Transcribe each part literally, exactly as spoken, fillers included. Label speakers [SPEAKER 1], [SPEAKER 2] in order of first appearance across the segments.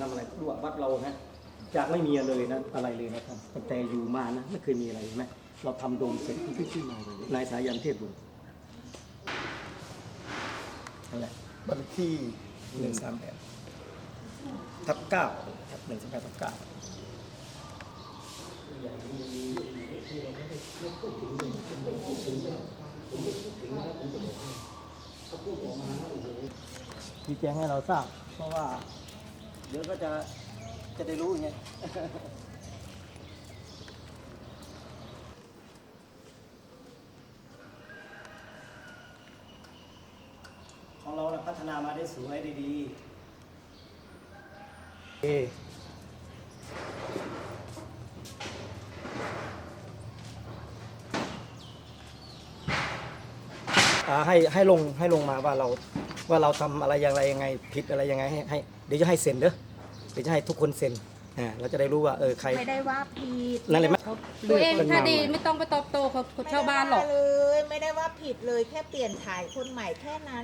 [SPEAKER 1] ทำอะไรรู้ว่าวัดเรานะจากไม่มีเลยนะอะไรเลยนะครับตั้งแต่อยู่มานะไม่เคยมีอะไรไหมเราทำโดมเสร็จที่ชื่อนายนายสายันเทพบุตรนั่นแหละบัญชีหนึ่งสามแปดทับเก้าหนึ่งสามแปดทับเก้าชี้แจงให้เราทราบเพราะว่าเดี๋ยวก็จะจะได้รู้ไงของเราพัฒนามาได้สวยได้ดีเอให้ให้ลงให้ลงมาว่าเราว่าเราทำอะไรอย่างไรยังไงผิดอะไรยังไงให้ให้เดี๋ยวจะให้เซ็นเด้อเดี๋ยวจะให้ทุกคนเซ็นอ่าเราจะได้รู้ว่าเออใคร
[SPEAKER 2] ไม่ได้ว่าผิด
[SPEAKER 1] นั่นเลยไหม
[SPEAKER 3] ตัวเองถ้าดีไม่ต้องไปตอบโต้เขาชาวบ้านหรอก
[SPEAKER 2] เลยไม่ได้ว่าผิดเลยแค่เปลี่ยนถ่ายคนใหม่แค่นั้น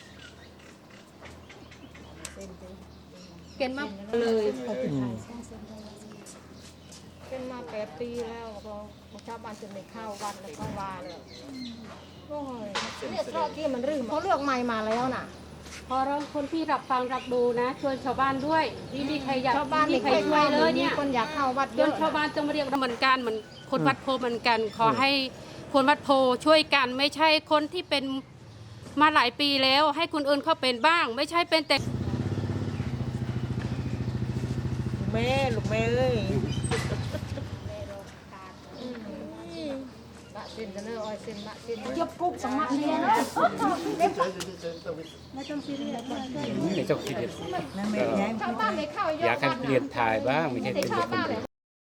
[SPEAKER 3] เก่งมากเลยเป็นมาแปดปีแล้วเราชาวบ้านจะไม่เข้าวัดแล้วเข้าวาเลยโอ้ยเนี่ยชอบที่มันรื้อเขาเลือกใหม่มาแล้วน่ะพอเราคนที่รับฟังรับดูนะชวนชาวบ้านด้วยนี่มีใครอยากชาวบ้านมีใครช่วยเลยเนี่ยคนอยากเข้าวัดชวนชาวบ้านจงมาเรียกเหมือนกันเหมือนคนวัดโพเหมือนกันขอให้คนวัดโพช่วยกันไม่ใช่คนที่เป็นมาหลายปีแล้วให้คนอื่นเขาเป็นบ้างไม่ใช่เป็นแต่
[SPEAKER 2] แม่ลูกแม่เอ้ยยกกุ๊กสมัครเนี่ยนะ
[SPEAKER 4] ไม่ต้องซีเรียสไม่ต้องซีเรียสอยากให้เปลี่ยนถ่ายบ้างไม่ใช่เป็นแบบนี้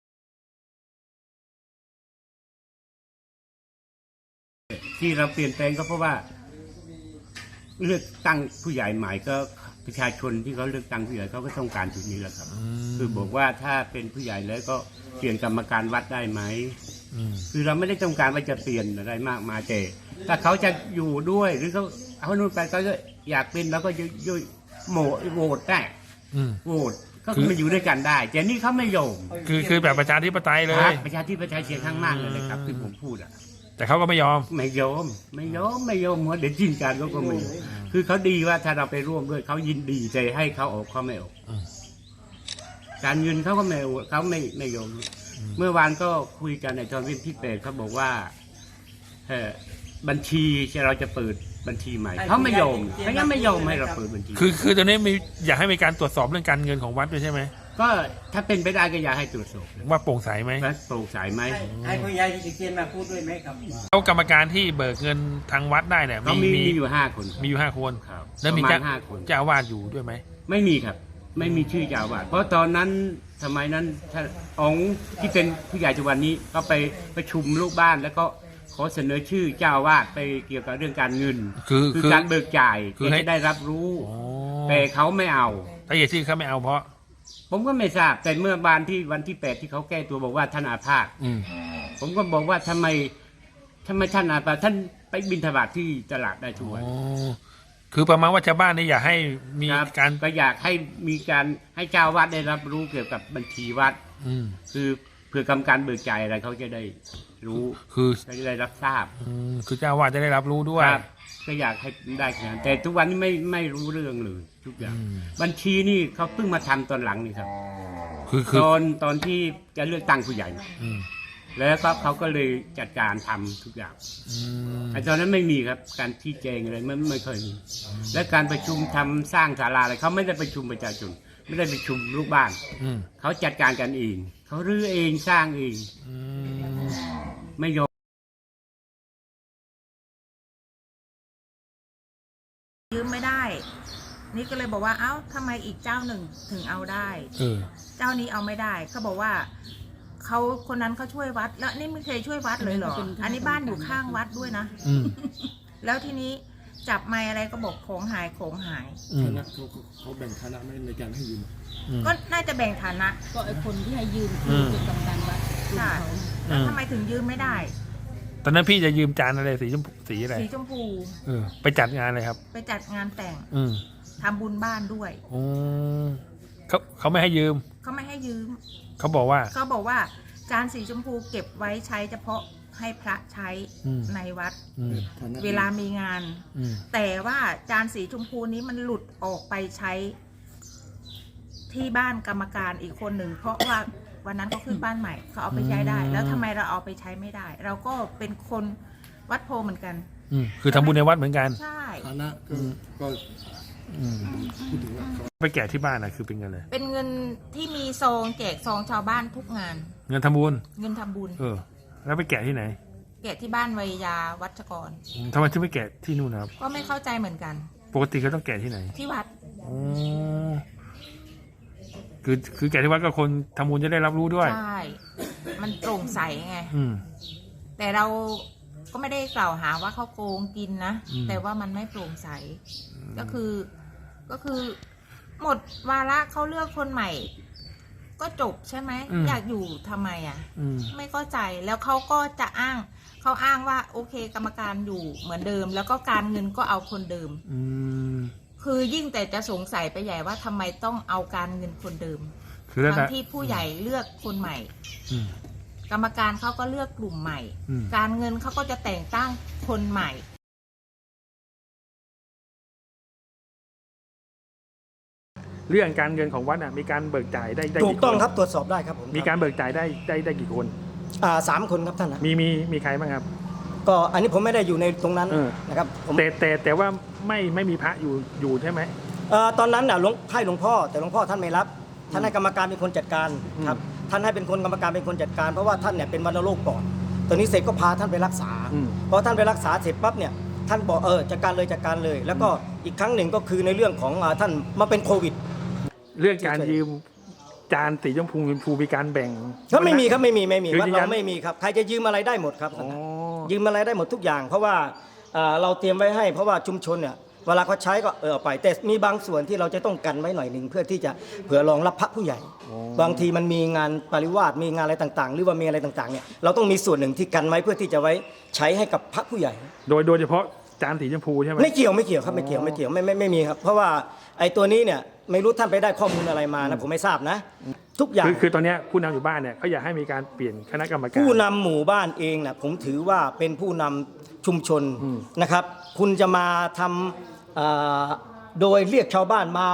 [SPEAKER 4] ที่เราเปลี่ยนแปลงก็เพราะว่าเลือกตั้งผู้ใหญ่ใหม่ก็ประชาชนที่เขาเลือกตั้งผู้ใหญ่เขาก็ต้องการจุดนี้แหละครับคือบอกว่าถ้าเป็นผู้ใหญ่แล้วก็เปลี่ยนกรรมการวัดได้ไหมคือเราไม่ได้ต้องการว่าจะเปลี่ยนอะไรมากมายแต่ถ้าเขาจะอยู่ด้วยหรือเขาเอาโน่นไปก็อยากเป็นแล้วก็ยุ่ยโหมโหวตได้โหวตก็คือมาอยู่ด้วยกันได้แต่นี่เขาไม่ยอม
[SPEAKER 5] คือคือแบบประชาธิปไตยเลย
[SPEAKER 4] ประชาธิปไตยเสียงข้างมากเลยนะครับที่ผมพูดอ่ะ
[SPEAKER 5] แต่เขาก็ไม่ยอม
[SPEAKER 4] ไม่ยอมไม่ยอมไม่ยอมหัวเด็ดจินการก็ก็ไม่ยอมคือเขาดีว่าถ้าเราไปร่วมด้วยเขายินดีใจให้เขาออกเขาไม่ออกการเงินเขาก็ไม่เขาไม่ไม่ยอมเมื่อวานก็คุยกันในตอนวินที่เปดเขาบอกว่าเออบัญชีเราจะเปิดบัญชีใหม่เขาไม่ยอมเขายังไม่ยอมให้เราเปิดบัญชี
[SPEAKER 5] คือคือตอนนี้มีอยากให้มีการตรวจสอบเรื่องการเงินของวัดด้วยใช่ไหม
[SPEAKER 4] ก็ถ้าเป็นไปได้ก็อยากให้ตรวจสอบ
[SPEAKER 5] ว่าโปร่งใสไหม
[SPEAKER 4] โปร่งใสไหม
[SPEAKER 1] ให้ผู้ใหญ่ที่เขียนมาพูดด้วยไหมครับ
[SPEAKER 5] แล้วกรรมการที่เบิกเงินทางวัดได้เนี่ย
[SPEAKER 4] มีมีอยู่ห้าคน
[SPEAKER 5] มีอยู่ห้าคนแล้วมีเจ้าเจ้าอาวาสอยู่ด้วยไหม
[SPEAKER 4] ไม่มีครับไม่มีชื่อเจ้าอาวาสเพราะตอนนั้นสมัยนั้นท่านองค์ที่เป็นผู้ใหญ่จังหวัดนี้ก็ไปประชุมลูกบ้านแล้วก็ขอเสนอชื่อเจ้าอาวาสไปเกี่ยวกับเรื่องการเงิน
[SPEAKER 5] คือ
[SPEAKER 4] คือการเบิกจ่ายคือให้ได้รับรู้แต่เขาไม่เอา
[SPEAKER 5] แต่เหตุที่เขาไม่เอาเพราะ
[SPEAKER 4] ผมก็ไม่ทราบแต่เมื่อวานที่วันที่แปดที่เขาแก้ตัวบอกว่าท่านอาพาธผมก็บอกว่าทำไมทำไมท่านอาพาธท่านไปบิณฑบาตที่ตลาดได้ทุกวัน
[SPEAKER 5] คือประมาณว่าชาวบ้านนี่อยากให้มีการ
[SPEAKER 4] ก็อยากให้มีการให้เจ้าวัดได้รับรู้เกี่ยวกับบัญชีวัดคือเพื่อกรรมการเบิกจ่ายอะไรเขาจะได้รู้
[SPEAKER 5] คือ
[SPEAKER 4] จะได้รับทราบ
[SPEAKER 5] คือเจ้าวัดจะได้รับรู้ด้วย
[SPEAKER 4] ก็อยากให้ได้แค่นั้นแต่ทุกวันนี้ไม่ไม่รู้เรื่องเลยทุกอย่างบัญชีนี่เขาเพิ่งมาทำตอนหลังนี่ครับ
[SPEAKER 5] คือ
[SPEAKER 4] ตอนตอนที่จะเลือกตั้งผู้ใหญ่แล้วก็เขาก็เลยจัดการทำทุกอย่างแต่ตอนนั้นไม่มีครับการชี้แจงอะไรไม่ไม่เคยมีและการประชุมทำสร้างศาลาอะไรเขาไม่ได้ประชุมประชาชนไม่ได้ประชุมลูกบ้านเขาจัดการกันเองเขารื้อเองสร้างเองไม่ยอม
[SPEAKER 2] ยืมไม่ได้นี่ก็เลยบอกว่าเอ้าทำไมอีกเจ้าหนึ่งถึงเอาได้เจ้านี้เอาไม่ได้เขาบอกว่าเขาคนนั้นเขาช่วยวัดแล้วนี่ไม่เคยช่วยวัดเลยเหรออันนี้บ้านอยู่ข้างวัดด้วยนะแล้วทีนี้จับไม้อะไรก็บอกของหายของหาย
[SPEAKER 6] คณะเขาเขาแบ่งฐานะในการให้ยืม
[SPEAKER 2] ก็น่าจะแบ่งฐานะ
[SPEAKER 3] ก็ไอ้คนที่ให้ยืมคือเป็นกรรมการวัด
[SPEAKER 2] ค่ะแล้วทำไมถึงยืมไม่ได้
[SPEAKER 5] ตอนนั้นพี่จะยืมจานอะไรสีชมพูสีอะไร
[SPEAKER 2] สีชมพู
[SPEAKER 5] เออไปจัดงานอะไรครับ
[SPEAKER 2] ไปจัดงานแต่งทำบุญบ้านด้วย
[SPEAKER 5] เขาเขาไม่ให้ยืม
[SPEAKER 2] เขาไม่ให้ยืม
[SPEAKER 5] เขาบอกว่า
[SPEAKER 2] เขาบอกว่าจานสีชมพูเก็บไว้ใช้เฉพาะให้พระใช้
[SPEAKER 5] อืม
[SPEAKER 2] ในวัด
[SPEAKER 5] อืม
[SPEAKER 6] ฐานะ
[SPEAKER 2] เวลามีงาน
[SPEAKER 5] อืม
[SPEAKER 2] แต่ว่าจานสีชมพูนี้มันหลุดออกไปใช้ที่บ้านกรรมการอีกคนหนึ่งเพราะว่าวันนั้นเขาขึ้นบ้านใหม่เขาเอาไปใช้ได้
[SPEAKER 5] อืม
[SPEAKER 2] แล้วทำไมเราเอาไปใช้ไม่ได้ เราก็เป็นคนวัดโพเหมือนกัน
[SPEAKER 5] อืมคือทำบุญในวัดเหมือนกัน
[SPEAKER 2] ใช่
[SPEAKER 6] ฐานะก็ก็
[SPEAKER 5] อืม
[SPEAKER 6] พูดถึงว่าเขา
[SPEAKER 5] ไปแกะที่บ้านนะคือเป็นเงินเลย
[SPEAKER 2] เป็นเงินที่มีซองแจกซองชาวบ้านทุกงาน
[SPEAKER 5] เงินทำบุญ
[SPEAKER 2] เงินทำบุญ
[SPEAKER 5] เออ แล้วไปแกะที่ไหน
[SPEAKER 2] แกะที่บ้านวัยยาวัชกร
[SPEAKER 5] อืมทำไมถึงไม่แกะที่นู่นนะครับ
[SPEAKER 2] ก็ไม่เข้าใจเหมือนกัน
[SPEAKER 5] ปกติเขาต้องแกะที่ไหน
[SPEAKER 2] ที่วัด
[SPEAKER 5] อ๋อคือคือแกะที่วัดก็คนทำบุญจะได้รับรู้ด้วย
[SPEAKER 2] ใช่ มันโปร่งใสไง
[SPEAKER 5] อืม
[SPEAKER 2] แต่เราก็ไม่ได้กล่าวหาว่าเขาโกงกินนะ
[SPEAKER 5] อืม
[SPEAKER 2] แต่ว่ามันไม่โปร่งใส ก็คือ ก็คือ หมดวาระเขาเลือกคนใหม่ ก็จบใช่ไหม อยากอยู่ทำไมอ่ะ
[SPEAKER 5] อืม
[SPEAKER 2] ไม่เข้าใจ แล้วเขาก็จะอ้าง เขาอ้างว่าโอเคกรรมการอยู่เหมือนเดิม แล้วก็การเงินก็เอาคนเดิม
[SPEAKER 5] อืม
[SPEAKER 2] คือยิ่งแต่จะสงสัยไปใหญ่ว่าทำไมต้องเอาการเงินคนเดิม
[SPEAKER 5] คือแล้ว
[SPEAKER 2] ทั้ง
[SPEAKER 5] นะ
[SPEAKER 2] ที่ผู้ใหญ่เลือกคนใหม่
[SPEAKER 5] อืม
[SPEAKER 2] กรรมการเขาก็เลือกกลุ่มใหม่
[SPEAKER 5] อืม
[SPEAKER 2] การเงินเขาก็จะแต่งตั้งคนใหม่
[SPEAKER 5] เรื่องการเงินของวัดน่ะมีการเบิกจ่ายได้ได้
[SPEAKER 1] ถูก
[SPEAKER 5] กี่
[SPEAKER 1] ต้อง
[SPEAKER 5] คน
[SPEAKER 1] ครับตรวจสอบได้ครับผม
[SPEAKER 5] มีการเบิกจ่ายได้ได้ได้กี่คน
[SPEAKER 1] อ่าสามคนครับท่านนะ
[SPEAKER 5] มีมีมีใครบ้างครับ
[SPEAKER 1] ก็อันนี้ผมไม่ได้อยู่ในตรงนั้น
[SPEAKER 5] เออ
[SPEAKER 1] นะครับผม
[SPEAKER 5] แต่แต่แต่ว่าไม่ไม่มีพระอยู่อยู่ใช่ไหม
[SPEAKER 1] เอ่อตอนนั้นน่ะหลวงให้หลวงพ่อแต่หลวงพ่อท่านไม่รับท่านให้กรรมการเป็นคนจัดการ
[SPEAKER 5] อืม
[SPEAKER 1] ครับท่านให้เป็นคนกรรมการเป็นคนจัดการเพราะว่าท่านเนี่ยเป็นวัณโรคก่อนตอนนี้เสร็จก็พาท่านไปรักษา
[SPEAKER 5] อืม
[SPEAKER 1] พอท่านไปรักษาเสร็จปั๊บเนี่ยท่านบอกเออจัดการเลยจัดการเลย แล้วก็อีกครั้งหนึ่งก็คือในเรื่องของอ่าท่านมาเป็นโควิด
[SPEAKER 5] เรื่องการยืมจานสีชมพูชมพูมีการแบ่ง
[SPEAKER 1] ก็ไม่มีครับไม่มีไม่มี
[SPEAKER 5] คือ
[SPEAKER 1] วัด
[SPEAKER 5] ยืนยั
[SPEAKER 1] เรา
[SPEAKER 5] น
[SPEAKER 1] ไม่มีครับใครจะยืมอะไรได้หมดครับ
[SPEAKER 5] อ๋อ
[SPEAKER 1] ยืมอะไรได้หมดทุกอย่าง เพราะว่าอ่าเราเตรียมไว้ให้เพราะว่าชุมชนเนี่ยเวลาเขาใช้ก็เออเอาไป แต่มีบางส่วนที่เราจะต้องกันไว้หน่อยหนึ่งเพื่อที่จะเผื่อรองรับพระผู้ใหญ่ บางทีมันมีงานปริวาสมีงานอะไรต่างๆ หรือว่ามีอะไรต่างๆเนี่ยเราต้องมีส่วนหนึ่งที่กันไว้เพื่อที่จะไว้ใช้ให้กับพระผู้ใหญ่
[SPEAKER 5] โดยโดยเฉพาะจานสีชมพูใช่ไหม
[SPEAKER 1] ไม่เกี่ยวไม่เกี่ยวครับไม่เกี่ยวไม่เกี่ยวไม่ไม่ไม่มีครับ เพราะว่าไอ้ตัวนี้เนี่ยไม่รู้ท่านไปได้ข้อมูลอะไรมานะผมไม่ทราบนะ ทุกอย่าง
[SPEAKER 5] คือคือตอนเนี้ยผู้นำอยู่บ้านเนี่ยเขาอยากให้มีการเปลี่ยนคณะกรรมการ
[SPEAKER 1] ผู้นำหมู่บ้านเองนะผมถือว่าเป็นผู้นำชุมชน
[SPEAKER 5] อืม
[SPEAKER 1] นะครับ คุณจะมาทำอ่าโดยเรียกชาวบ้านมาก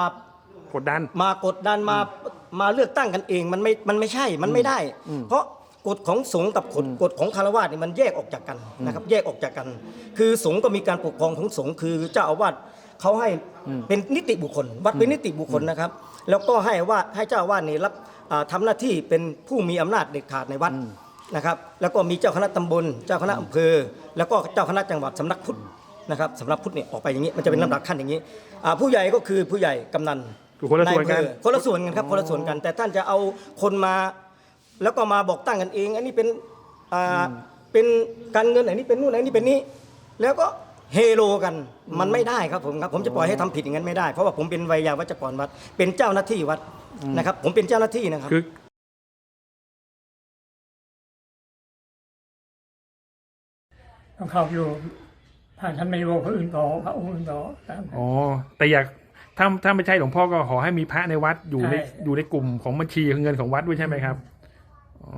[SPEAKER 5] ดดัน
[SPEAKER 1] มากดดันมามาเลือกตั้งกันเองมันไม่มันไม่ใช่มันไม่ได้
[SPEAKER 5] อืม
[SPEAKER 1] เพราะกฎของสงฆ์กับกฎกฎของคารวะนี่มันแยกออกจากกันนะครับแยกออกจากกัน คือสงฆ์ก็มีการปกครองของสงฆ์คือเจ้าอาวาสเขาให้เป็นนิติบุคคล วัดเป็นนิติบุคคลนะครับ แล้วก็ให้ว่าให้เจ้าอาวาสนี่รับอ่าทำหน้าที่เป็นผู้มีอำนาจเด็ดขาดในวัดนะครับ แล้วก็มีเจ้าคณะตำบล เจ้าคณะอำเภอ แล้วก็เจ้าคณะจังหวัดสำนักพุทธนะครับสำนักพุทธเนี่ยออกไปอย่างนี้มันจะเป็นลำดับขั้นอย่างนี้อ่าผู้ใหญ่ก็คือผู้ใหญ่กำนัน
[SPEAKER 5] คือคนละส่วนกัน
[SPEAKER 1] ายอำเภอคนละส่วนกันครับคนละส่วนกัน แต่ท่านจะเอาคนมา แล้วก็มาบอกตั้งกันเอง อันนี้เป็นอ่าเป็นการเงินอันนี้เป็นนู่นอันนี้เป็นนี้ แล้วก็เฮโลกันมันไม่ได้ครับผมครับผมจะปล่อยให้ทำผิดอย่างนั้นไม่ได้เพราะว่าผมเป็นไวยาวัจกรวัดเป็นเจ้าหน้าที่วัดนะครับ ผมเป็นเจ้าหน้าที่นะครับ
[SPEAKER 5] คือ
[SPEAKER 7] ต้องเข้าอยู่ถ้าท่านไม่รู้คนอื่นต่อพระองค์อื่นต่อตาม
[SPEAKER 5] อ๋อแต่อยากถ้าถ้าไม่ใช่หลวงพ่อก็ขอให้มีพระในวัดอยู่ใน
[SPEAKER 7] ใช่
[SPEAKER 5] อยู่ในกลุ่มของบัญชีเงินของวัดด้วยใช่ไหมครับอ๋อ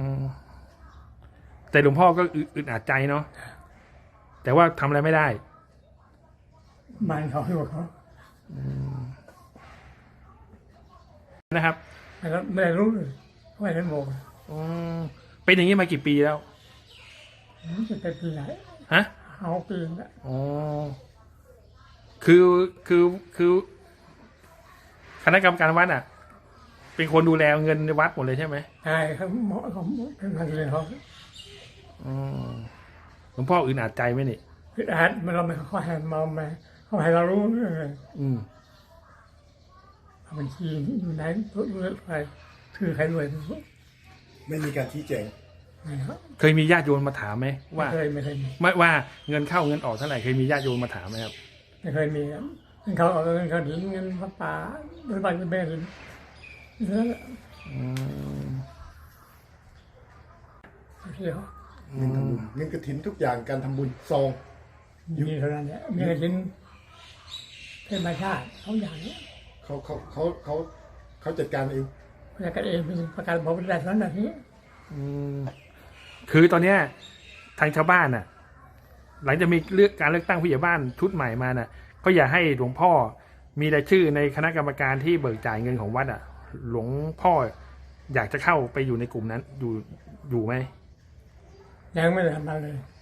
[SPEAKER 5] แต่หลวงพ่อก็อึอึดอัดใจเนาะแต่ว่าทำอะไรไม่ได้
[SPEAKER 7] บ้านเขาอยู่เขา
[SPEAKER 5] นะครับ
[SPEAKER 7] แล้วไม่ได้รู้เลยไม่ได้บอก
[SPEAKER 5] อ๋อเป็นอย่างนี้มากี่ปีแล้ว
[SPEAKER 7] จะเป็นปีไหน
[SPEAKER 5] ฮะ
[SPEAKER 7] เอาปีละ
[SPEAKER 5] อ๋อคือคือคือคณะกรรมการวัดอ่ะ เป็นคนดูแลเงินในวัดหมดเลยใช่ไหม
[SPEAKER 7] ใช่เขาเหมาะเขาเป็นพันเลยเขา
[SPEAKER 5] อ๋อหลวงพ่ออึดอัดใจไหมนี่
[SPEAKER 7] คืออาร์ตมันเราไม่เขาให้มาไม่เขาให้เรารู้เรื่องเลย
[SPEAKER 5] อืม
[SPEAKER 7] เอาบัญชีอยู่ไหนตัวเลือกใครคือใครรวย
[SPEAKER 6] ไม่มีการชี้แจง
[SPEAKER 7] ไม่ครับ
[SPEAKER 5] เคยมีญาติโยมมาถามไหม
[SPEAKER 7] ไม่
[SPEAKER 5] ว่า
[SPEAKER 7] เคยไม่เคยมี
[SPEAKER 5] ไม่ว่าเงินเข้าเงินออกเท่าไหร่เคยมีญาติโยมมาถามไหมครับ
[SPEAKER 7] ไม่เคยมีครับเงินเขาเอาเงินเขาหนีเงินพระป่าเงินบ้านเงินแม่เลยนั่นแหละ
[SPEAKER 5] อืม
[SPEAKER 7] เที่ยว
[SPEAKER 6] เงินทำบุญเงินกระถินทุกอย่างการทำบุญซอง
[SPEAKER 7] มีเท่านั้นแหละมีกระถินเป็นมาชาติเขาอย่างนี้
[SPEAKER 6] เขาเขาเขาเขาเขาจัดการเอง
[SPEAKER 7] แล้วก็เองเป็นประกันบอกเป็นแบบนั้นแบบนี้
[SPEAKER 5] อืมคือตอนเนี้ยทางชาวบ้านน่ะ หลังจากมีเลือกการเลือกตั้งผู้ใหญ่บ้านชุดใหม่มาน่ะ ก็อย่าให้หลวงพ่อมีรายชื่อในคณะกรรมการที่เบิกจ่ายเงินของวัดอ่ะ หลวงพ่ออยากจะเข้าไปอยู่ในกลุ่มนั้น อยู่อยู่ไหม
[SPEAKER 7] ยังไม่ได้ทำอะไรเลย